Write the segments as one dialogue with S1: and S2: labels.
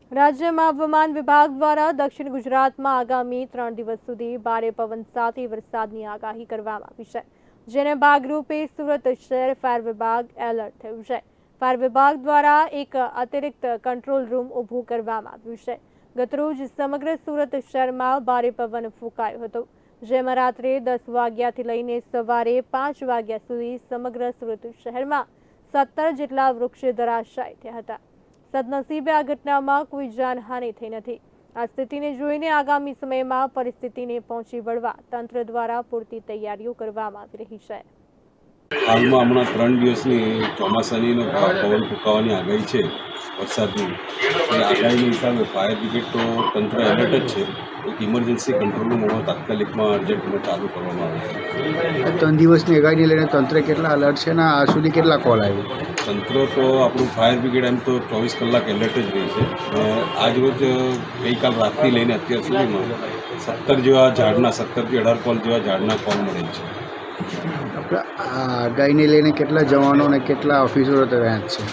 S1: રાજ્યમાં હવામાન વિભાગ દ્વારા દક્ષિણ ગુજરાતમાં આગામી 3 દિવસ સુધી ભારે પવન સાથે વરસાદની આગાહી કરવામાં આવી છે, જેને ભાગરૂપે સુરત શહેર ફાયર વિભાગ એલર્ટ થયું છે। ફાયર વિભાગ દ્વારા એક અતિરિક્ત કંટ્રોલ રૂમ ઊભું કરવામાં આવ્યું છે। ગતરોજ સમગ્ર સુરત શહેરમાં ભારે પવન ફૂંકાયો હતો, જેમાં રાત્રે 10 વાગ્યાથી લઈને સવારે 5 વાગ્યા સુધી સમગ્ર સુરત શહેરમાં 17 જેટલા વૃક્ષ ધરાશાયી થયા હતા। સદનસીબે આ ઘટનામાં કોઈ જાનહાનિ થઈ નથી। આ સ્થિતિને જોઈને આગામી સમયમાં પરિસ્થિતિને પહોંચી વળવા તંત્ર દ્વારા પૂરતી તૈયારીઓ કરવામાં આવી રહી છે।
S2: હાલમાં હમણાં 3 દિવસની ચોમાસાની પવન ફૂંકાવાની આગાહી છે, વરસાદની એ આગાહીના હિસાબે ફાયર બ્રિગેડ તો તંત્ર એલર્ટ જ છે। એક ઇમરજન્સી કંટ્રોલ રૂમ તાત્કાલિકમાં અર્જન્ટમાં ચાલુ કરવામાં આવે છે।
S3: 3 દિવસની આગાહીને લઈને તંત્ર કેટલા એલર્ટ છે અને આ સુધી કેટલા કોલ આવ્યો?
S2: તંત્ર તો આપણું ફાયર બ્રિગેડ એમ તો 24 કલાક એલર્ટ જ રહી છે। આજ રોજ ગઈકાલ રાતથી લઈને અત્યાર સુધીમાં 17 જેવા ઝાડના 17થી 18 કોલ જેવા ઝાડના કોલ મળે છે।
S3: આપણે આ આગાહીને લઈને કેટલા જવાનો અને કેટલા ઓફિસરો તૈયાર છે?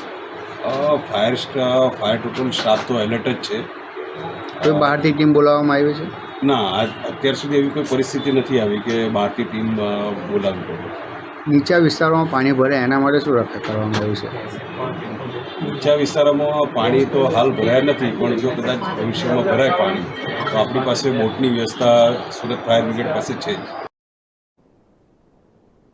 S2: ફાયર ટોટલ સ્ટાફ તો એલર્ટ જ છે।
S3: કોઈ બહારથી ટીમ બોલાવવામાં આવી છે?
S2: ના, અત્યાર સુધી એવી કોઈ પરિસ્થિતિ નથી આવી કે બહારથી ટીમ બોલાવવી પડે।
S3: નીચા વિસ્તારોમાં પાણી ભરે એના માટે શું રક્ષા કરવામાં આવ્યું છે?
S2: નીચા વિસ્તારોમાં પાણી તો હાલ ભરાયા નથી, પણ જો કદાચ ભવિષ્યમાં ભરાય પાણી તો આપણી પાસે બોટની વ્યવસ્થા સુરત ફાયર બ્રિગેડ પાસે છે જ।